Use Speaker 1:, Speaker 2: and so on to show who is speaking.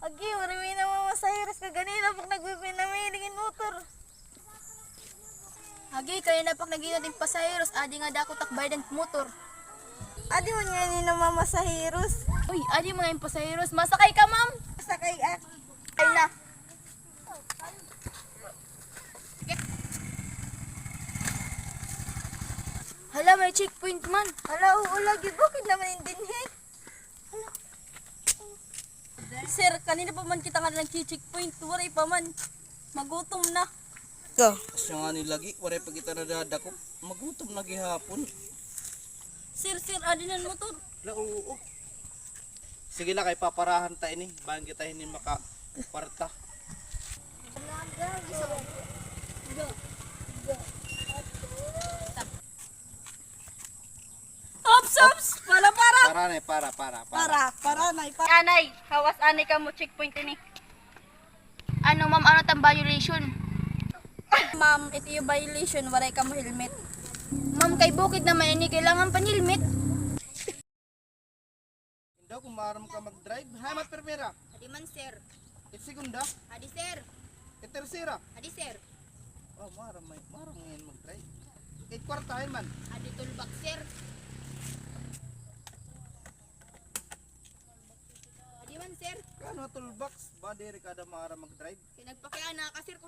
Speaker 1: Agi, marami na mga masahiras ka ganina pag nagpipinamilingin motor.
Speaker 2: Agi, kaya na pag naging natin pasaheros, adi nga dako takbay ng motor.
Speaker 1: Adi mo nga ni mga masahiros.
Speaker 2: Uy, adi mga yung pasaheros. Masakay ka, ma'am?
Speaker 1: Sakay at.
Speaker 2: Ay na. Hala, may checkpoint man.
Speaker 1: Hala, uulagi, bakit naman yung dinhi?
Speaker 2: Sir, kanina pa man kita nga nag-checkpoint. Waray pa man. Magutom na.
Speaker 1: Go.
Speaker 3: Asya nga ni lagi, waray pa kita nadadako. Magutom na gihapon.
Speaker 2: Sir, adi na motor.
Speaker 3: Oo. Sige na kay paparahan ta ini, bahan kita hindi makaparta.
Speaker 2: Ops! Para!
Speaker 3: Para na,
Speaker 2: Anay, hawas anay ka mo checkpoint ini. Ano ma'am, ano tang violation?
Speaker 1: Ma'am, ito yung violation, waray ka mo helmet.
Speaker 2: Ma'am, kay bukid naman ini kailangan pa helmet.
Speaker 3: Hindi kung maram ka mag-drive. Hay, matpermera.
Speaker 2: Adi man sir.
Speaker 3: It segunda,
Speaker 2: Adi sir.
Speaker 3: it tercera.
Speaker 2: Adi sir.
Speaker 3: Oh, maram ngayon mag-drive. It kwartahin man.
Speaker 2: Adi tulbak sir. Adi man sir.
Speaker 3: Kano toolbox, ba diri kada maram mag-drive?
Speaker 2: Kinagpakiana ka sir kung